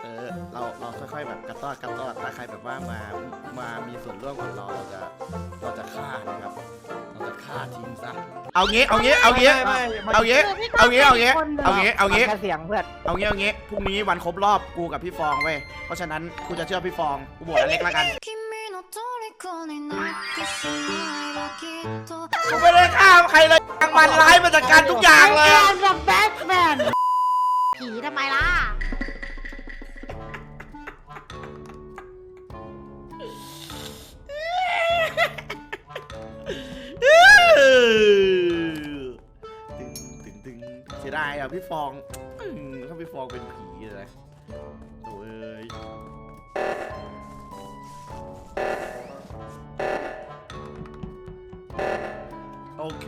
เราค่อยๆแบบกระต้อนถ้าใครแบบว่ามามีส่วนร่วมกับเราจะฆ่านะครับเราจะฆ่าทิ้งซะเอางี้แค่เสียงเพื่อนเอางี้พรุ่งนี้วันครบรอบกูกับพี่ฟองเว้ยเพราะฉะนั้นกูจะเชื่อพี่ฟองกูโหวตอเล็กแล้วกันกูไม่ได้ฆ่าใครเลยทางมันร้ายมาจากการทุกอย่างเลยแบบแบทแมนผีทำไมล่ะตึงเสียดายอ่ะพี่ฟองถ้าพี่ฟองเป็นผีเลยโอ้ยโอเค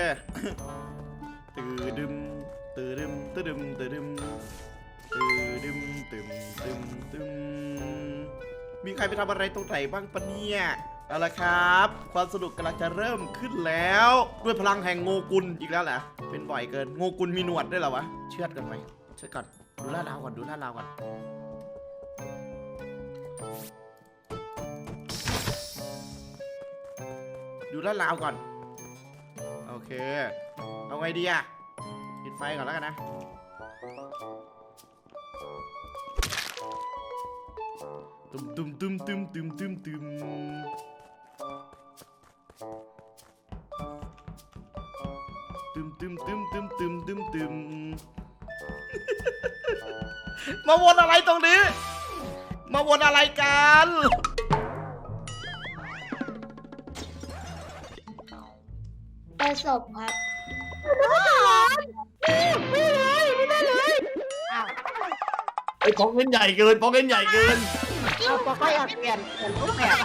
มีใครไปทำอะไรตรงไหนบ้างปะเนี่ยเอาละครับความสนุกกำลังจะเริ่มขึ้นแล้วด้วยพลังแห่งโงกุลอีกแล้วแหละเป็นบ่อยเกินโงกุลมีหนวดด้วยเหรอวะเชือดกันไหมเชือดก่อนดูลาดราวก่อนดูลาดราวก่อนโอเคเอาไงดีอะปิดไฟก่อนแล้วกันนะตึมมาวนอะไรตรงนี้มาวนอะไรกันประสบครับไม่ได้เลยอ้าวไอ้ของเล่นใหญ่เกินเอาตัวก็อยากเปลี่ยนรูปแบบ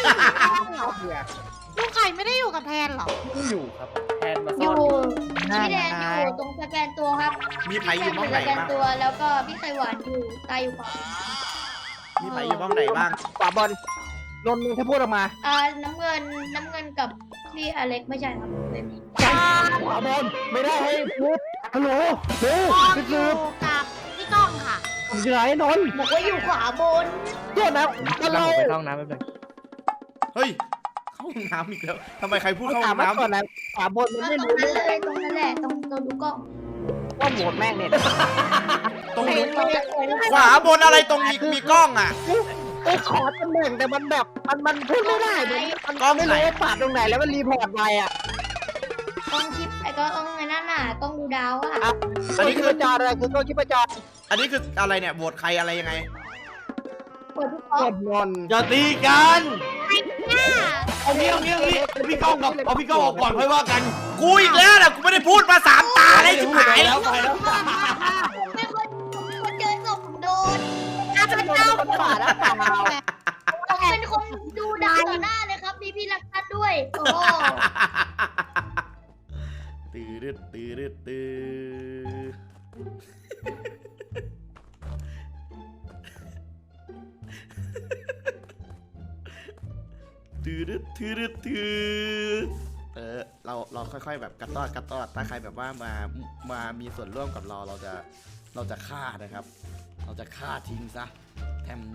ลูกไข่ไม่ได้อยู่กับแทนหรอไม่อยู่ครับแทนมาอซ่อนยู่พี่แดนอยู่ตรงสแกนตัวครับมีไผ่อยู่บ้องไหนสแกนบ้างตัวแล้วก็พี่ไข่หวานอยู่ตายอยู่ขวามีไผ่อยู่บ้องไหนบ้างขวาบอลนนท์มึงถ้าพูดออกมาน้ำเงินกับพี่อเล็กไม่ใช่ครับเป็นนี้ขวาบอลไม่ได้ให้พูดฮัลโหลเร็วอสืยู่บกับพี่ก้องค่ะผมอยู่ไหนนนท์บอกว่าอยู่ขวาบนโทษนะเราไปเข้าห้องน้ำไม่เป็นเฮ้ยเข้าห้องน้ำอีกแล้วทำไมใครพูดเข้าห้ถาอมงมาก่อนน้ำนะขวาบนมันตรไม่งรู้นั้นเลยตรงนั้นแหละตรงดูกล้องว่าโหวตแม่งเนี่ยตรงนี้ขวาบนอะไรตรงมีกล้องอ่ะไอ้ขอตำแหน่งแต่มันแบบมันพูดไม่ได้มันก็ไม่รู้ว่าปาดตรงไหนแล้วมันรีพอร์ตไปอ่ะกล้องชิปไอ้ก็กล้องไอ้นั่นน่ะกล้องดูดาวอ่ะอันนี้คือจออะไรคือกล้องชิปจรอันนี้คืออะไรเนี่ยโหวตใครอะไรยังไงเปิดทุกกล้องกดนนท์อย่าตีกันเนี่ยเอางี้พี่ก้องกับเอาพี่ก้องออกก่อนค่อยว่ากันกูอีกแล้วแหละกูไม่ได้พูดมา3 ตาเลยชิบหายแล้วไปแล้วไม่คนเจอศพผมโดนเป็นเจ้าปาดแล้วเปล่าผมเป็นคนดูดาวต่อหน้าเลยครับมีพี่รักทัดด้วยโอ้ตื้อเราค่อยๆแบบกระต้อนถ้าใครแบบว่ามามีส่วนร่วมกับเราจะฆ่านะครับ เราจะฆ่าทิ้งซะแทม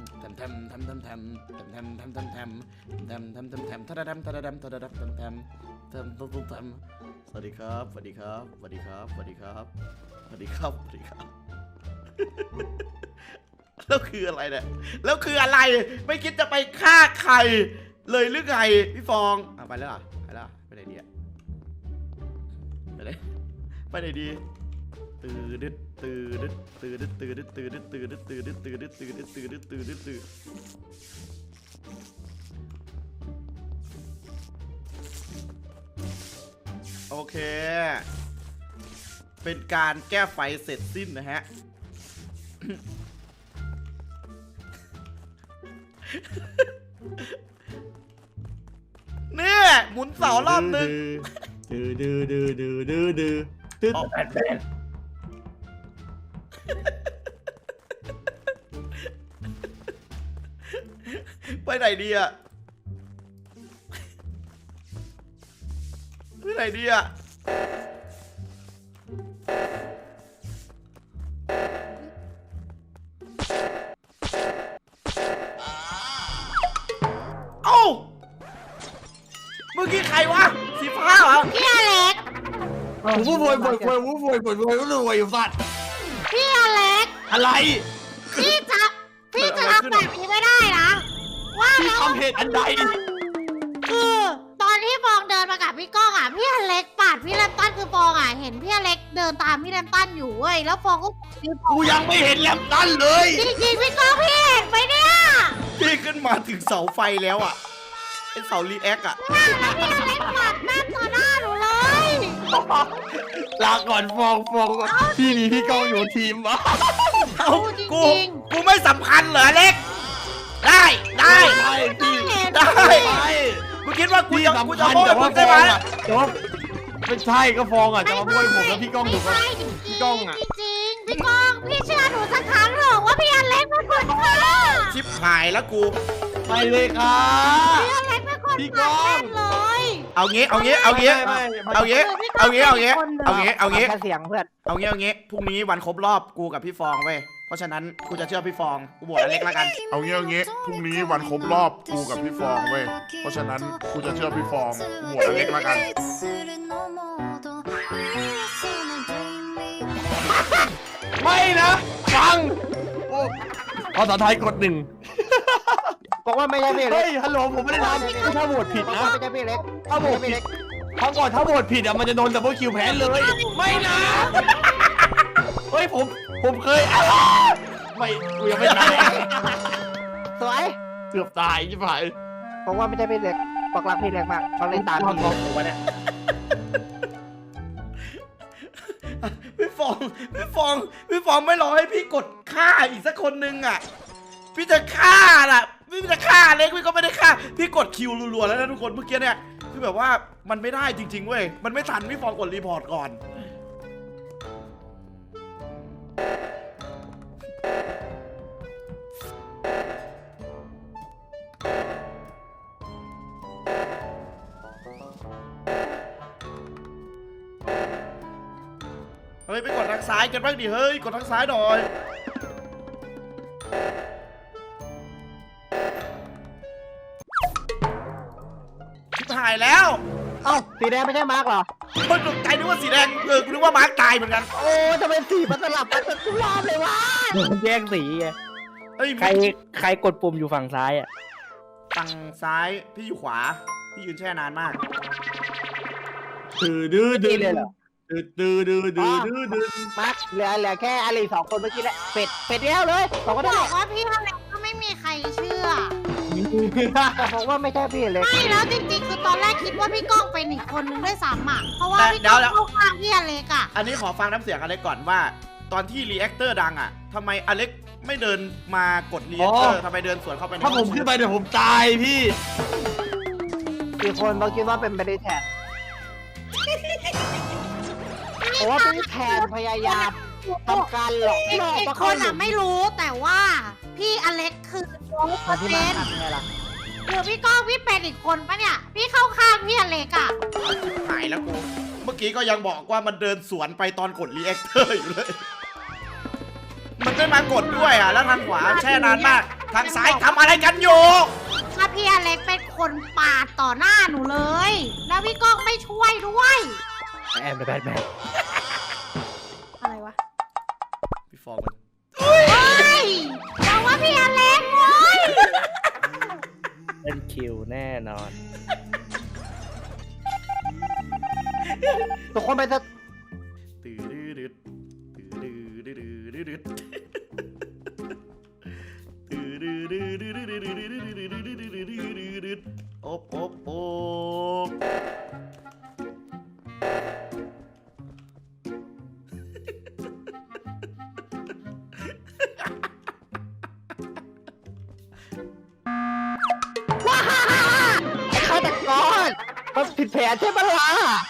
สวัสดีครับแล้วคืออะไรเนี่ยแล้วคืออะไรไม่คิดจะไปฆ่าใครเลยหรือไงพี่ฟองไปแล้วเหรอไปไหนดีอะไปไหนดีโอเคเป็นการแก้ไฟเสร็จสิ้นนะฮะ เนี่ยหมุนเสารอบนึงไปไหนดีอะไปไหนดีอะใครวะสีฟ้าเหรอพี่อเล็กผมพูดโวยอยู่สัตว์พี่อเล็กอะไรพี่จะทำแบบนี้ไม่ได้นะว่าพี่แล้วทำเหตุอันใดคือตอนที่ฟองเดินมากับพี่ก้องอ่ะพี่อเล็กปาดพี่แรมตันคือฟองอ่ะเห็นพี่อเล็กเดินตามพี่แรมตันอยู่เว้ยแล้วฟองก็กูยังไม่เห็นแลมตันเลยจริงๆพี่ก้องพี่เห็นไหมเนี่ยพี่ขึ้นมาถึงเสาไฟแล้วอ่ะไอเสารีแอคอ่ะพี่อเล็กปาดแม่ต่อหน้าหนูเลยลาก่อนฟองพี่มีพี่ก้องอยู่ทีมวะเอ้ากูไม่สำคัญเหรอเล็ก ได้ได้พี่ได้ไปกูคิดว่ากูพี่จะสำกูคัจะญโม้แต่มึว่าง ฟได้อไหมงอ่ะแต่ว่าไม่ใช่ก็ฟองอ่ะจะมาบ้วยผมแล้วพี่ก้องอยู่กับไม่ใช่พี่ก้องอะจริงๆพี่ก้องพี่เชื่อหนูสักครั้งเถอะว่าพี่อเล็กเป็นคนฆ่าชิบหายแล้วกูไปเลยค่ะพี่อเล็กเป็นคนพี่ก้ฆ่าองแน่เลยเอางี้ไม่แค่เสียงเพื่อนพรุ่งนี้วันครบรอบกูกับพี่ฟองเว้ย เพราะฉะนั้นกูจะเชื่อพี่ฟอง กูบวชอเล็กแล้วกันเอางี้พรุ่งนี้วันครบรอบกูกับพี่ฟองเว้ย เพราะฉะนั้นกูจะเชื่อพี่ฟองกูโหวตอเล็กแล้วกันไม่นะฟังโอ้ภาษาไทยกดหนึ่งบอกว่าไม่ใช่พี่เล็เฮ้กยฮัลโหลผมไม่ได้ทำถ้าโหวตผิดบอกนะว่าไม่ใช่พี่เล็กถ้าโหวตผิดครั้งก่อนถ้าโหวตผิดอ่ะมันจะโดนดับเบิลคิวแพ้เลย ไม่นะเฮ้ยผมเคยไม่กูยังไม่ตายสวยเกือบตายใช่ไหมบอกว่าไม่ใช่พี่เล็กบอกรักพี่เล็กมากเขาเล่นตามพี่ผมวะเนี่ยพี่ฟองไม่รอให้พี่กดฆ่าอีกสักคนนึงอ่ะ พี่จะฆ่าล่ะ พี่จะฆ่าเล็กพี่ก็ไม่ได้ฆ่า พี่กดคิวรัวๆแล้วนะทุกคนเมื่อกี้เนี่ย คือแบบว่ามันไม่ได้จริงๆเว้ย มันไม่ทันพี่ฟองกดรีพอร์ตก่อน เฮ้ยไปกดทางซ้ายกันบ้างดิเฮ้ยกดทางซ้ายหน่อยชิบหายแล้วเอ้าสีแดงไม่ใช่มาร์กเหรอคนตกใจนึกว่าสีแดงกูนึกว่ามาร์คตายเหมือนกันโอ้ทำไมสีมันสลับกันทุกรอบเลยวะแย่งสีไงเฮ้ยใครกดปุ่มอยู่ฝั่งซ้ายอ่ะฝั่งซ้ายพี่อยู่ขวาพี่ยืนแช่นานมากดื้อนี่เลยเหรอ มาร์กเหลือแค่อะไรสองคนเมื่อกี้แหละเป็ดแล้วเลยสองคนบได้อกว่าพี่อเล็กก็ไม่มีใครเชื่อบอกว่าไม่ใช่พี่เล็กไม่แล้วจริงๆคือตอนแรกคิดว่าพี่ก้องเป็นอีกคนนึงด้วยซ้ำอ่ะเพราะว่าพี่ก้องเข้าข้างพี่อเล็กอ่ะอันนี้ขอฟังน้ำเสียงอเล็กก่อนว่า ตอนที่รีแอคเตอร์ดังอ่ะทำไมอเล็กไม่เดินมากดรีแอคเตอร์ทำไมเดินสวนเข้าไปในถ้าผมขึ้นไปเดี๋ยวผมตายพี่กี่คนเราคิดว่าเป็นไปได้แทนเพราะว่าพี่แทนพยายามทำการหลอกอีกล่ออีกมาคเข้าน หลุอ่ะมไม่รู้แต่ว่าพี่อเล็กคือร้อยเปมาอร์ที่เซ็มานต์ทำไงล่ะคือพี่ก้องพี่เป็นอีกคนปะเนี่ยพี่เข้าข้างพี่อเล็กอ่ะหายแล้วกูเมื่อกี้ก็ยังบอกว่ามันเดินสวนไปตอนกดรีแอคเตอร์อยู่เลย มันไม่มากดด้วยอ่ะแล้วทางขวาแช่นานมาก ทางซ้ายทำอะไรกันอยู่ถ้าพี่อเล็กเป็นคนปาดต่อหน้าหนูเลย แล้วพี่ก้องไม่ช่วยด้วยแอมแบทแมนอะไรวะพี่ฟองมันเฮ้ยบอกว่าพี่อเล็กเว้ยเป็นคิวแน่นอนทุกคนไปจะตื้อดืดตื้อดืดตื้อดืดอบฆาตกรมันผิดแผนใช่ไหมล่ะ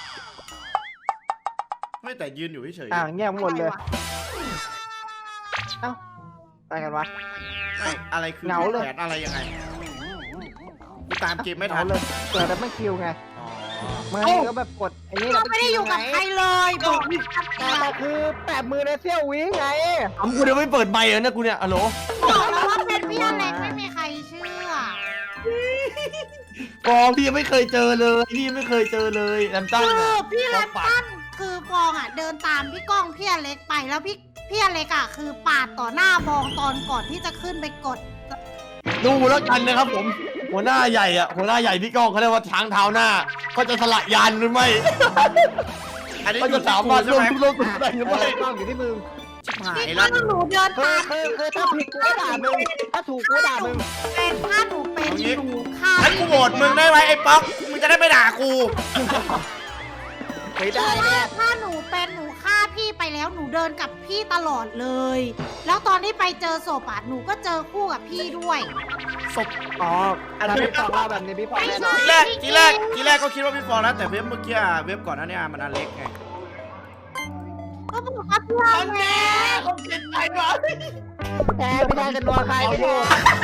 ไม่แต่ยืนอยู่เฉยเงียบหมดเลยเอ้าไปกันวะไม่อะไรคือเหงาเลยแผนอะไรยังไงกูตามเกมไม่ทัเอานเลยเกิดแล้วไม่คิวไงอ๋อไม่ก็แบบกดไอ้นี่ก็ไม่ได้อยู่กับใครเลยบอกแต่คือแปะมือในเซี่ยววิไงทำกูเดี๋ยวไม่เปิดไมค์เหรอเนี่ยกูเนี่ยฮัลโหลบอกแล้วว่าเป็นพี่อเล็กไม่มีใครเชื่อฟองพี่ยังไม่เคยเจอเลยพี่ยังไม่เคยเจอเลยแลมตันคืออะพี่แรมตันคือฟองอ่ะเดินตามพี่ก้องพี่อเล็กไปแล้วพี่อเล็กอ่ะคือปาดต่อหน้าฟองตอนก่อนที่จะขึ้นไปกดดูแล้วกันนะครับผมหัวหน้าใหญ่อะหัวหน้าใหญ่พี่ก้องเขาเรียกว่าช้างเท้าหน้าเขาจะสละยานหรือไม่อันนี้เขาอยู่จะที่สากูมารถใช่ร่วมไหมทุกโลกทุกแดนหรือไม่กล้องอยู่ที่มึงชิบหายพี่แล้วก้องหนูเดินคือตามคือถ้าผิดกูก็ด่ามึงถ้าถูกกูก็ด่ามึงเป็นถ้าหนูเป็นหนูฆ่างั้นกูโหวตมึงได้ไหมไอ้ป๊อกมึงจะได้ไม่ด่ากูไม่ได้คือแน่ถ้าหนูเป็นหนูฆ่าพี่ไปแล้วหนูเดินกับพี่ตลอดเลย แล้วตอนที่ไปเจอศพอ่ะหนูก็เจอคู่กับพี่ด้วยศพอ๋ออันนี้พี่ฟองเล่าแบบนี้พี่ฟองแน่นอนทีแรกก็คิดว่าพี่ฟองนะแต่เว็บเมื่อกี้เว็บก่อนหน้านี้มันอันเล็กไงก็บอกว่าพี่อันแน่เขาเจ็บใจวะแพ้ไม่ได้กันนัวใครไม่ถูก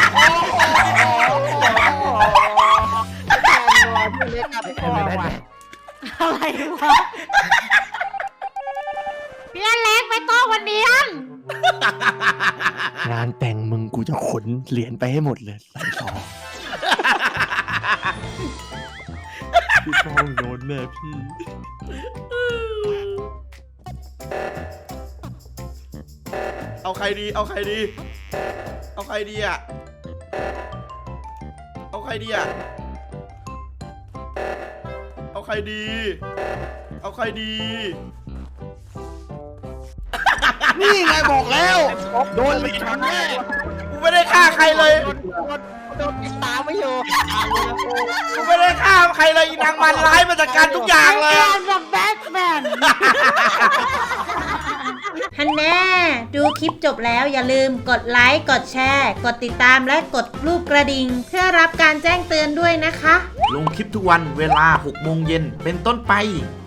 แพ้นัวพี่เล็กกับพี่ฟองว่ะอะไรวะพี่อเล็กไม่ต้องวันเนียนงานแต่งมึงกูจะขนเหรียญไปให้หมดเลยใส่ซองพี่ฟองโดนแน่พี่เอาใครดีเอาใครดีเอาใครดีอ่ะเอาใครดีอ่ะเอาใครดีเอาใครดีนี่ไงบอกแล้วโดนไปทันแน่กูไม่ได้ฆ่าใครเลยโดนติดตามไม่อยู่กูไม่ได้ฆ่าใครเลยอีนางมันร้ายมาจากการทุกอย่างเลยแอนด์แบทแมน ฮันแน่ดูคลิปจบแล้วอย่าลืมกดไลค์กดแชร์กดติดตามและกดรูปกระดิ่งเพื่อรับการแจ้งเตือนด้วยนะคะลงคลิปทุกวันเวลา 6 โมงเย็นเป็นต้นไป